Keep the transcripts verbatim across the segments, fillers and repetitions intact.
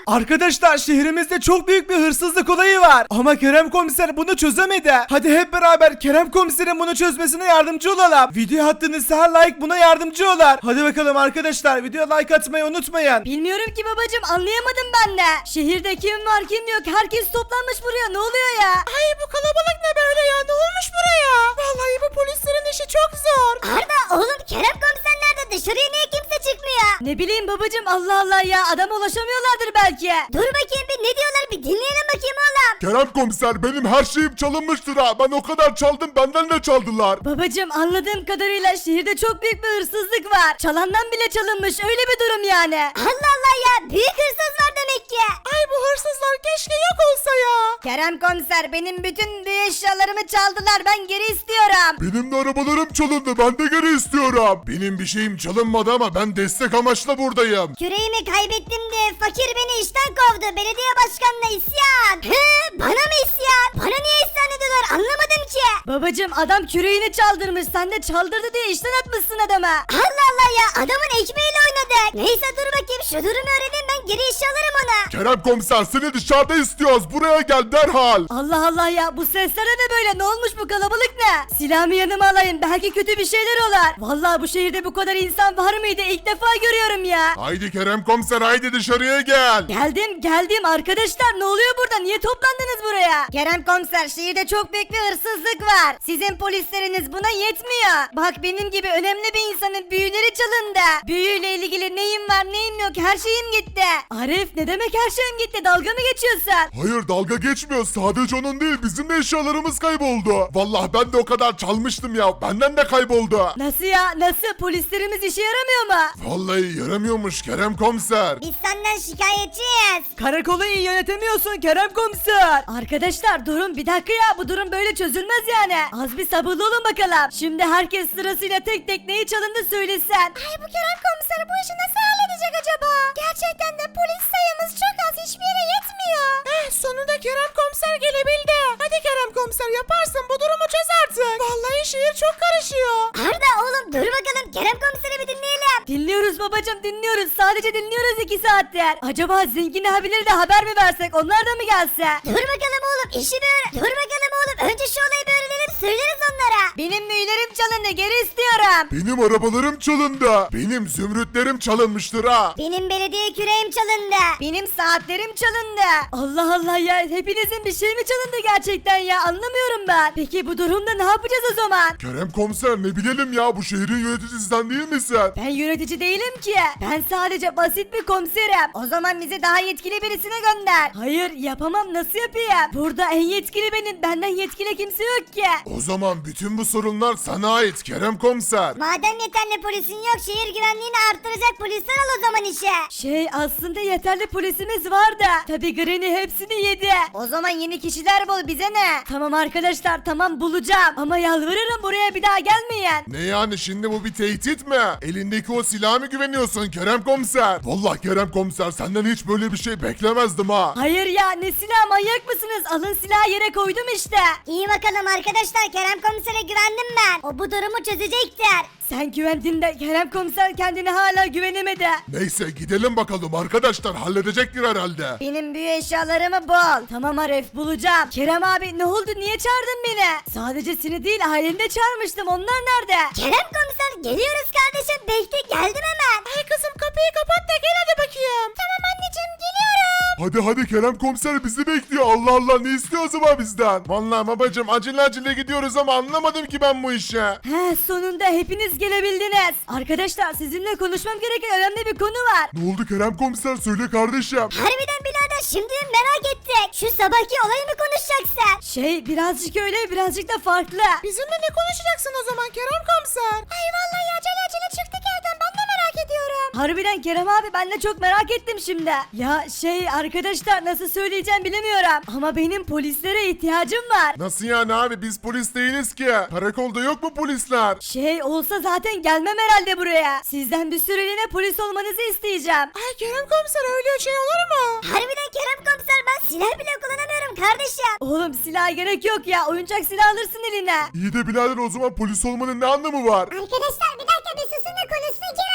Arkadaşlar şehrimizde çok büyük bir hırsızlık olayı var. Ama Kerem komiser bunu çözemedi. Hadi hep beraber Kerem komiserin bunu çözmesine yardımcı olalım. Video attığınız her like buna yardımcı olur. Hadi bakalım arkadaşlar, videoya like atmayı unutmayın. Bilmiyorum ki babacım, anlayamadım ben de. Şehirde kim var kim yok, herkes toplanmış buraya, ne oluyor ya? Ay bu kalabalık ne böyle ya? Ne olmuş buraya? Vallahi bu polislerin işi çok zor. Arda oğlum, Kerem komiser nerede? Dışarıya niye kimse çıkmıyor? Ne bileyim babacım, Allah Allah ya, adama ulaşamıyorlardır belki. Dur bakayım bir, ne diyorlar, bir dinleyelim bakayım oğlum. Kerem komiser benim her şeyim çalınmıştır ha. Ben o kadar çaldım, benden de çaldılar. Babacım, anladığım kadarıyla şehirde çok büyük bir hırsızlık var. Çalandan bile çalınmış, öyle bir durum yani. Allah Allah ya, büyük hırsız var demek ki. Ay bu hırsızlar keşke yok olsa ya. Kerem komiser, benim bütün bir eşyalarımı çaldılar, ben geri istiyorum. Benim de arabalarım çalındı, ben de geri istiyorum. Benim bir şeyim çalınmadı ama ben destek amaçla buradayım. Küreğimi kaybettim diye fakir beni işten kovdu. Belediye başkanına isyan. Hı, bana mı isyan? Bana niye isyan ediyorlar, anlamadım ki. Babacım, adam küreğini çaldırmış, sen de çaldırdı diye işten atmışsın adama. Allah Allah ya, adamın ekmeğiyle oynadık. Neyse dur bakayım, şu durumu öğreneyim, ben geri işe alırım ona. Kerem komiser seni dışarıda istiyoruz, buraya gel derhal. Allah Allah ya, bu sesler ne böyle, ne olmuş, bu kalabalık ne? Silahımı yanıma alayım, belki kötü bir şeyler olur. Vallahi bu şehirde bu kadar insan var mıydı, ilk defa görüyorum ya. Haydi Kerem komiser, haydi dışarıya gel. Geldim geldim arkadaşlar, ne oluyor burada, niye toplandınız buraya? Kerem komiser, şehirde çok büyük bir hırsızlık var. Sizin polisleriniz buna yetmiyor. Bak, benim gibi önemli bir insanın büyüleri çalındı. Büyüyle ilgili neyim var neyim yok, her şeyim gitti. Arif, ne demek her şeyim gitti, dalga mı geçiyorsun? Hayır dalga geçmiyor, sadece onun değil bizim de eşyalarımız kayboldu. Vallahi ben de o kadar çalmıştım ya, benden de kayboldu. Nasıl ya, nasıl, polislerimiz işe yaramıyor mu? Vallahi yaramıyormuş Kerem komiser. Biz senden şikayetçiyiz. Karakolu iyi yönetemiyorsun Kerem komiser. Arkadaşlar durun bir dakika ya, bu durum böyle çözülmez yani. Az bir sabırlı olun bakalım. Şimdi herkes sırasıyla tek tek neyi çalındı söylesin. Ay bu Kerem komiser bu işi nasıl halledecek acaba? Gerçekten de polis sayımız çok az, hiçbir yere yetmiyor. Eh sonunda Kerem komiser gelebildi. Hadi Kerem komiser, yaparsın, bu durumu çöz artık. Vallahi şehir çok karışıyor. Arda oğlum dur bakalım, Kerem komiseri bir dinleyelim. Dinliyoruz babacım, dinliyoruz, sadece dinliyoruz iki saattir. Acaba zengin abileri de haber mi versek, onlar da mı gelse? Dur bakalım oğlum, işi bir öğren. Dur bakalım oğlum, önce şu olayı bir öğrenelim, söyleriz onlara. Benim mühürlerim çalındı, geri istiyorum. Benim arabalarım çalındı. Benim zümrütlerim çalınmıştır ha. Benim belediye küreğim çalındı. Benim saatlerim çalındı. Allah Allah ya, hepinizin bir şey mi çalındı gerçekten ya, anlamıyorum ben. Peki bu durumda ne yapacağız o zaman? Kerem komiser ne bilelim ya, bu şehrin yöneticisi sen değil misin? Ben yönetici değilim ki. Ben sadece basit bir komiserim. O zaman bizi daha yetkili birisine gönder. Hayır, yapamam, nasıl yapayım? Burada en yetkili benim. Benden yetkili kimse yok ki. O zaman bütün bu sorunlar sana ait Kerem komiser. Madem yeterli polisin yok, şehir güvenliğini arttıracak polisler al o zaman işe. Şey, aslında yeterli polisimiz vardı. Tabi Granny hepsini yedi. O zaman yeni kişiler bul, bize ne? Tamam arkadaşlar, tamam bulacağım. Ama yalvarırım buraya bir daha gelmeyin. Ne yani, şimdi bu bir tehdit mi? Elindeki o silaha mı güveniyorsun Kerem komiser? Vallahi Kerem komiser senden hiç böyle bir şey beklemezdim ha. Hayır ya, ne silah, manyak mısınız? Alın silahı yere koydum işte. İyi bakalım arkadaşlar, Kerem komisere güvendim ben. O bu durumu çözecektir. Sen güvendin de Kerem komiser kendine hala güvenemedi. Neyse gidelim bakalım arkadaşlar, halledecektir herhalde. Benim büyü eşyalarımı bul. Tamam Arif, bulacağım. Kerem abi, ne oldu, niye çağırdın beni? Sadece seni değil, aileni de çağırmıştım, onlar nerede? Kerem komiser geliyoruz kardeşim, bekle, geldim hemen. Ay kızım, kapıyı kapat da gel hadi bakayım. Tamam anneciğim, geliyorum. Hadi hadi Kerem komiser bizi bekliyor, Allah Allah ne istiyor acaba bizden? Vallahi babacım acele acele gidiyoruz ama anlamadım ki ben bu işi. He, sonunda hepiniz gelebildiniz. Arkadaşlar, sizinle konuşmam gereken önemli bir konu var. Ne oldu Kerem komiser, söyle kardeşim. Harbiden birader, şimdi merak ettik. Şu sabahki olayı mı konuşacaksın? Şey, birazcık öyle, birazcık da farklı. Bizimle ne konuşacaksın o zaman Kerem komiser? Ay vallahi acele acele çıktık evden, ben de merak ediyorum. Harbiden Kerem abi, ben de çok merak ettim şimdi. Ya şey arkadaşlar, nasıl söyleyeceğim bilemiyorum. Ama benim polislere ihtiyacım var. Nasıl yani abi, biz polis değiliz ki. Karakolda yok mu polisler? Şey olsa zaten gelmem herhalde buraya. Sizden bir süreliğine polis olmanızı isteyeceğim. Ay Kerem komiser, öyle şey olur mu? Harbiden Kerem komiser, ben silah bile kullanamıyorum kardeşim. Oğlum, silah gerek yok ya. Oyuncak silah alırsın eline. İyi de birader, o zaman polis olmanın ne anlamı var? Arkadaşlar bir dakika, bir susun da konuşsun Kerem abi.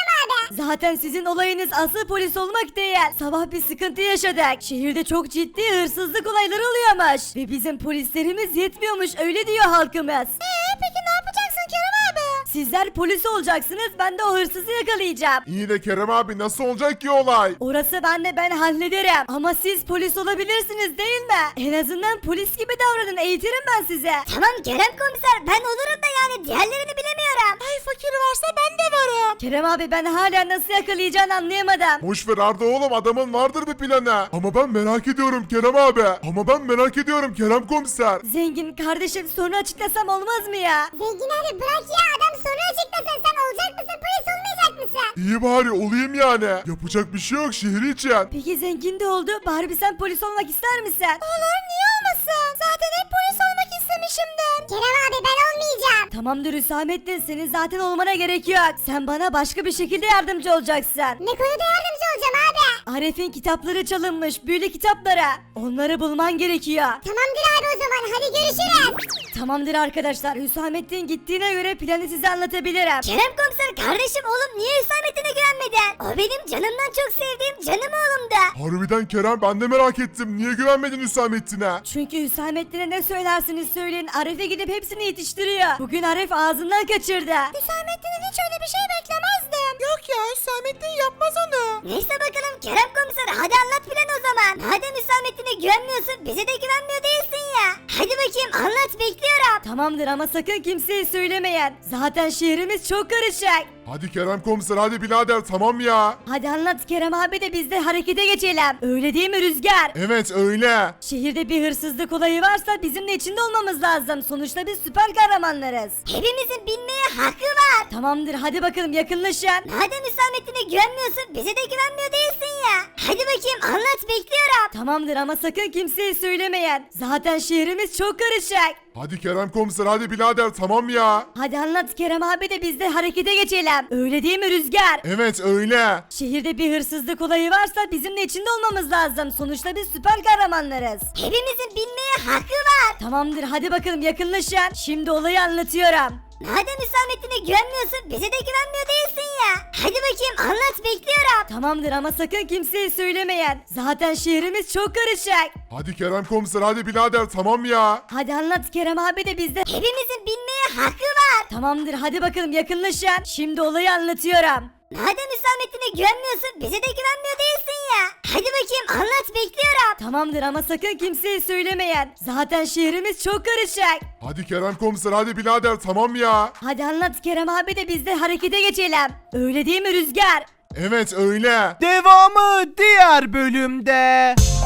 Zaten sizin olayınız asıl polis olmak değil. Sabah bir sıkıntı yaşadık. Şehirde çok ciddi hırsızlık olayları oluyormuş. Ve bizim polislerimiz yetmiyormuş öyle diyor halkımız. Eee peki ne yapacaksın Kerem abi? Sizler polis olacaksınız ben de o hırsızı yakalayacağım. İyi de Kerem abi nasıl olacak ki olay? Orası ben de ben hallederim. Ama siz polis olabilirsiniz değil mi? En azından polis gibi davranın eğitirim ben size. Tamam Kerem komiser ben olurum da yani diğerlerini bilemiyorum. Ay fakir varsa ben de varım. Kerem abi ben hala nasıl yakalayacağını anlayamadım. Boş ver Arda oğlum, adamın vardır bir planı. Ama ben merak ediyorum Kerem abi. Ama ben merak ediyorum Kerem komiser. Zengin kardeşim sonra açıklasam olmaz mı ya? Zengin abi bırak ya adam sonra açıklasın sen olacak mısın polis olmayacak mısın? İyi bari olayım yani. Yapacak bir şey yok şehir için. Peki zengin de oldu. Barbie sen polis olmak ister misin? Olur niye olmasın? Zaten hep polis olmak istemişimdir. Kerem abi ben olmayacağım. Tamamdır Hüsamettin senin zaten olmana gerek yok. Sen bana başka bir şekilde yardımcı olacaksın. Ne konuda yardımcı olacağım abi? Arif'in kitapları çalınmış büyülü kitapları. Onları bulman gerekiyor. Tamamdır abi o zaman hadi görüşürüz. Tamamdır arkadaşlar Hüsamettin gittiğine göre planı size anlatabilirim. Kerem komiser kardeşim oğlum niye Hüsamettin'e güvenmedin? O benim canımdan çok sevdiğim canım oğlumdu. Harbiden Kerem, ben de merak ettim. Niye güvenmedin Hüsamettin'e? Çünkü Hüsamettin'e ne söylersiniz söyleyin Arif'e gidip hepsini yetiştiriyor. Bugün Arif ağzından kaçırdı. Hüsamettin'in hiç öyle bir şey beklemezdim. Yok ya Hüsamettin yapmaz onu. Neyse bakalım Kerem komiser hadi anlat plan o zaman. Madem Hüsamettin'e güvenmiyorsun bize de güvenmiyor değilsin ya. Hadi bakayım anlat bekliyorum. Tamamdır ama sakın kimseye söylemeyin. Zaten şehrimiz çok karışık. Hadi Kerem komiser, hadi birader, tamam ya. Hadi anlat Kerem abi de biz de harekete geçelim. Öyle değil mi Rüzgar? Evet öyle. Şehirde bir hırsızlık olayı varsa bizim de içinde olmamız lazım. Sonuçta biz süper kahramanlarız. Hepimizin bilmeye hakkı var. Tamamdır hadi bakalım yakınlaşın. Madem Hüsamettin'e güvenmiyorsun bize de güvenmiyor değilsin ya. Hadi bakayım anlat bekliyorum. Tamamdır ama sakın kimseye söylemeyin. Zaten şehrimiz çok karışık. Hadi Kerem komiser, hadi birader, tamam ya. Hadi anlat Kerem abi de biz de harekete geçelim. Öyle değil mi Rüzgar? Evet öyle. Şehirde bir hırsızlık olayı varsa bizim de içinde olmamız lazım. Sonuçta biz süper kahramanlarız. Hepimizin bilmeye hakkı var. Tamamdır hadi bakalım yakınlaşın. Şimdi olayı anlatıyorum. Madem Hüsamettin'e güvenmiyorsun bize de güvenmiyor değilsin ya. Hadi bakayım anlat bekliyorum. Tamamdır ama sakın kimseye söylemeyin. Zaten şehrimiz çok karışık. Hadi Kerem komiser, hadi birader, tamam ya. Hadi anlat Kerem abi de biz de... Hepimizin bilmeye hakkı var. Tamamdır hadi bakalım yakınlaşın. Şimdi olayı anlatıyorum. Madem Hüsamettin'e güvenmiyorsun bize de güvenmiyor değilsin ya. Hadi bakayım anlat bekliyorum. Tamamdır ama sakın kimseye söylemeyin. Zaten şehrimiz çok karışık. Hadi Kerem komiser, hadi birader, tamam ya. Hadi anlat Kerem abi de biz de harekete geçelim. Öyle değil mi Rüzgar? Evet öyle. Devamı diğer bölümde.